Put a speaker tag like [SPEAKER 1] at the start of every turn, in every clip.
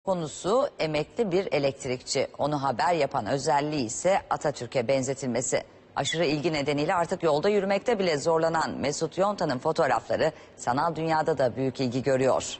[SPEAKER 1] Konusu emekli bir elektrikçi. Onu haber yapan özelliği ise Atatürk'e benzetilmesi. Aşırı ilgi nedeniyle artık yolda yürümekte bile zorlanan Mesut Yontan'ın fotoğrafları sanal dünyada da büyük ilgi görüyor.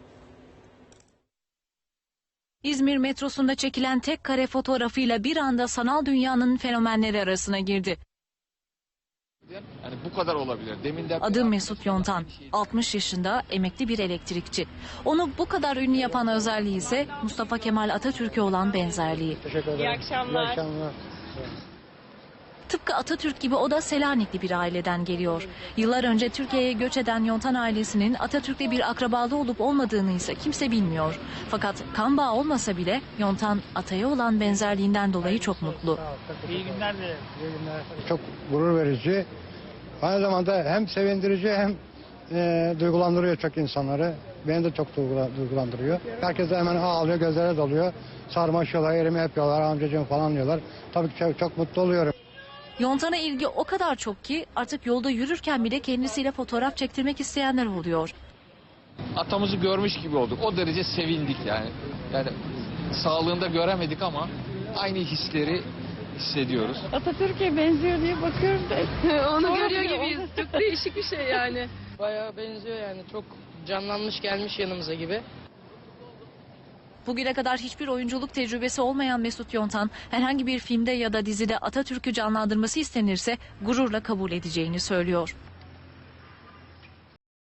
[SPEAKER 2] İzmir metrosunda çekilen tek kare fotoğrafıyla bir anda sanal dünyanın fenomenleri arasına girdi.
[SPEAKER 3] Yani bu kadar olabilir.
[SPEAKER 2] Adı Mesut Yontan. 60 yaşında emekli bir elektrikçi. Onu bu kadar ünlü yapan özelliği ise Mustafa Kemal Atatürk'e olan benzerliği.
[SPEAKER 4] Teşekkür ederim.
[SPEAKER 5] İyi akşamlar.
[SPEAKER 4] İyi akşamlar.
[SPEAKER 2] Tıpkı Atatürk gibi o da Selanikli bir aileden geliyor. Yıllar önce Türkiye'ye göç eden Yontan ailesinin Atatürk'le bir akrabalığı olup olmadığını ise kimse bilmiyor. Fakat kan bağı olmasa bile Yontan ataya olan benzerliğinden dolayı çok mutlu.
[SPEAKER 5] İyi günler de.
[SPEAKER 4] İyi günler. Çok gurur verici. Aynı zamanda hem sevindirici hem duygulandırıyor çok insanları. Beni de çok duygulandırıyor. Herkes de hemen ağlıyor, gözlere doluyor. Sarmaşıyorlar, elimi yapıyorlar, amcacığım falan diyorlar. Tabii ki çok mutlu oluyorum.
[SPEAKER 2] Yontan'a ilgi o kadar çok ki artık yolda yürürken bile kendisiyle fotoğraf çektirmek isteyenler oluyor.
[SPEAKER 3] Atamızı görmüş gibi olduk. O derece sevindik yani. Yani sağlığında göremedik ama aynı hisleri hissediyoruz.
[SPEAKER 5] Atatürk'e benziyor diye bakıyorum da.
[SPEAKER 6] Onu
[SPEAKER 5] Doğru
[SPEAKER 6] görüyor
[SPEAKER 5] diyor.
[SPEAKER 6] gibiyiz. Çok değişik bir şey yani.
[SPEAKER 7] Bayağı benziyor yani, çok canlanmış gelmiş yanımıza gibi.
[SPEAKER 2] Bugüne kadar hiçbir oyunculuk tecrübesi olmayan Mesut Yontan herhangi bir filmde ya da dizide Atatürk'ü canlandırması istenirse gururla kabul edeceğini söylüyor.